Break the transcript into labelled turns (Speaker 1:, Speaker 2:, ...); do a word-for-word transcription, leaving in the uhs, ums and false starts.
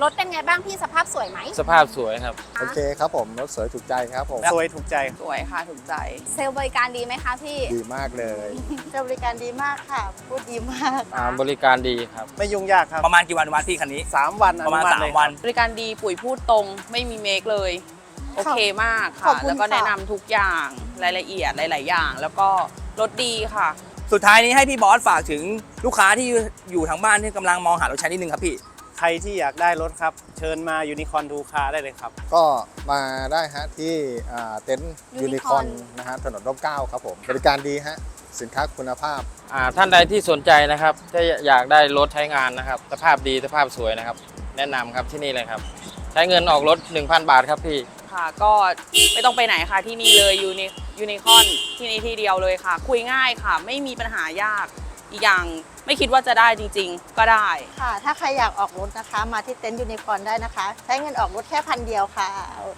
Speaker 1: รถเป็นไงบ้างพี่สภาพสวยไหม
Speaker 2: สภาพสวยครับ
Speaker 3: โอเคครับผมรถสวยถูกใจครับผม
Speaker 4: สวยถูกใจ
Speaker 5: สวยค่ะถูกใจ
Speaker 1: เซลล์บริการดีไหมคะพี่
Speaker 3: ดีมากเลย
Speaker 6: เจ้าบริการดีมากค่ะ พูดดีมาก
Speaker 2: อ่าบริการดีครับ
Speaker 4: ไม่ยุ่งยากครับ
Speaker 7: ประมาณกี่วันอนุมัติพี่คันนี้
Speaker 4: สามวัน
Speaker 7: ประมาณ
Speaker 4: อนุ
Speaker 7: สาม
Speaker 4: เลย
Speaker 7: วัน
Speaker 5: บริการดีปุ๋ยพูดตรงไม่มีเมคเลย โอเคมาก
Speaker 6: ขอ
Speaker 5: ค่ะ
Speaker 6: บคุณ
Speaker 5: แล้วก็แนะ
Speaker 6: ค่ะ
Speaker 5: นำทุกอย่างรายละเอียดหลาย ๆ อย่าง แล้วก็รถดีค่ะ
Speaker 7: สุดท้ายนี้ให้พี่บอสฝากถึงลูกค้าที่อยู่ทางบ้านที่กำลังมองหารถใช้นิดนึงครับพี่
Speaker 4: ใครที่อยากได้รถครับ เชิญมายูนิคอร์นทูคาได้เลยครับ
Speaker 3: ก็มาได้ฮะที่อ่าเต็นท์ยูนิคอน
Speaker 1: Unicorn
Speaker 3: นะฮะถนนร่มเกล้าครับผมบริการดีฮะสินค้าคุณภาพ
Speaker 2: อ่าท่านใดที่สนใจนะครับถ้าอยากได้รถใช้งานนะครับ สภาพดีสภาพสวยนะครับ แนะนำครับที่นี่เลยครับ ใช้เงินออกรถ หนึ่งพัน บาทครับพี่
Speaker 5: ค่ะ ก็ไม่ต้องไปไหนค่ะที่นี่เลยยูนิยูนิคอนที่นี่ที่เดียวเลยค่ะ คุยง่ายค่ะ ไม่มีปัญหายาก อีกอย่างไม่คิดว่าจะได้จริง ๆ ก็ได้
Speaker 6: ค่ะ ถ้าใครอยากออกรถนะคะ มาที่เต็นท์ยูนิคอร์นได้นะคะ ใช้เงินออกรถแค่พันเดียวค่ะ